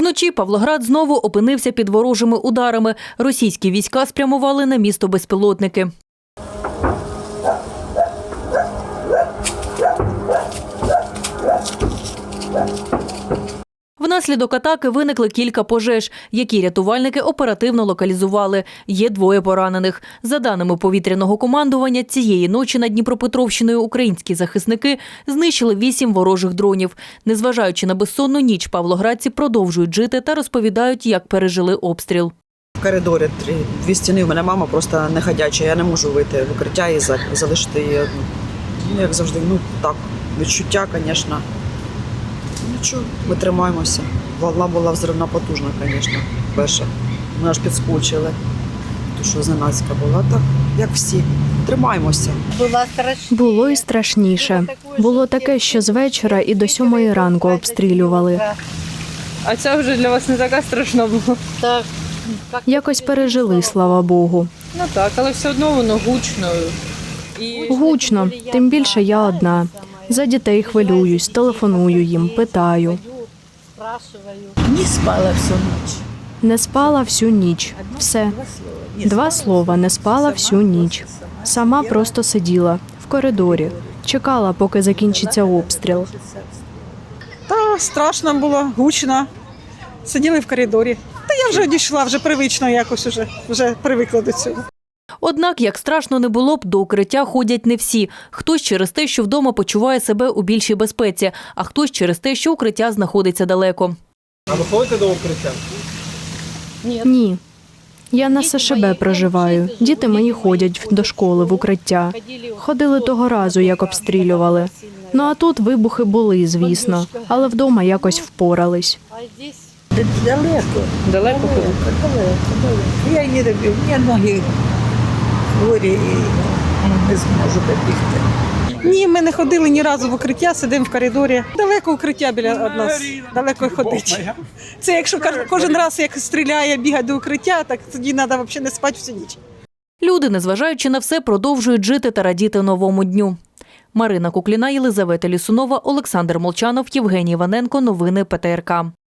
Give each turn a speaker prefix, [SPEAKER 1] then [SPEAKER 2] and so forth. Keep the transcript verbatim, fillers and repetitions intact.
[SPEAKER 1] Вночі Павлоград знову опинився під ворожими ударами. Російські війська спрямували на місто безпілотники. Внаслідок атаки виникли кілька пожеж, які рятувальники оперативно локалізували. Є двоє поранених. За даними повітряного командування, цієї ночі над Дніпропетровщиною українські захисники знищили вісім ворожих дронів. Незважаючи на безсонну ніч, павлоградці продовжують жити та розповідають, як пережили обстріл.
[SPEAKER 2] В коридорі три, дві стіни, у мене мама просто не ходяча, я не можу вийти в укриття і залишити її одну. Ну, як завжди, ну так, відчуття, звісно. Нічого, ми тримаємося. Волна була взривна потужна, звісно, перша. Ми аж підскочили, тому що зненацька була. Так, як всі, тримаємося.
[SPEAKER 3] Було і страшніше. Було таке, що з вечора і до сьомої ранку обстрілювали.
[SPEAKER 4] А це вже для вас не така страшна була?
[SPEAKER 5] Так.
[SPEAKER 3] Якось пережили, слава Богу.
[SPEAKER 4] Ну так, але все одно воно гучно. І...
[SPEAKER 3] Гучно, тим більше я одна. За дітей хвилююсь, телефоную їм, питаю.
[SPEAKER 5] Не спала всю ніч.
[SPEAKER 3] Не спала всю ніч. Все. Два слова, не спала всю ніч. Сама просто сиділа в коридорі, чекала, поки закінчиться обстріл.
[SPEAKER 6] Та страшно було, гучно. Сиділи в коридорі. Та я вже одійшла, вже привично якось, вже, вже привикла до цього.
[SPEAKER 1] Однак, як страшно не було б, до укриття ходять не всі. Хтось через те, що вдома почуває себе у більшій безпеці, а хтось через те, що укриття знаходиться далеко.
[SPEAKER 7] А ви ходите до укриття?
[SPEAKER 3] Ні. Я на С Ш Б проживаю. Діти мої ходять до школи в укриття. Ходили того разу, як обстрілювали. Ну а тут вибухи були, звісно, але вдома якось впорались.
[SPEAKER 5] Далеко.
[SPEAKER 4] Далеко ходите?
[SPEAKER 5] Далеко, далеко. Я не добив, у мене ноги хворі і не зможу добігти.
[SPEAKER 6] Ні, ми не ходили ні разу в укриття, сидимо в коридорі. Далеко укриття біля від нас, далеко й ходить. Це якщо кожен раз, як стріляє, бігає до укриття, так тоді треба взагалі не спати всю ніч.
[SPEAKER 1] Люди, незважаючи на все, продовжують жити та радіти новому дню. Марина Кукліна, Єлизавета Лісунова, Олександр Молчанов, Євгеній Іваненко. Новини Пе Те Ер Ка.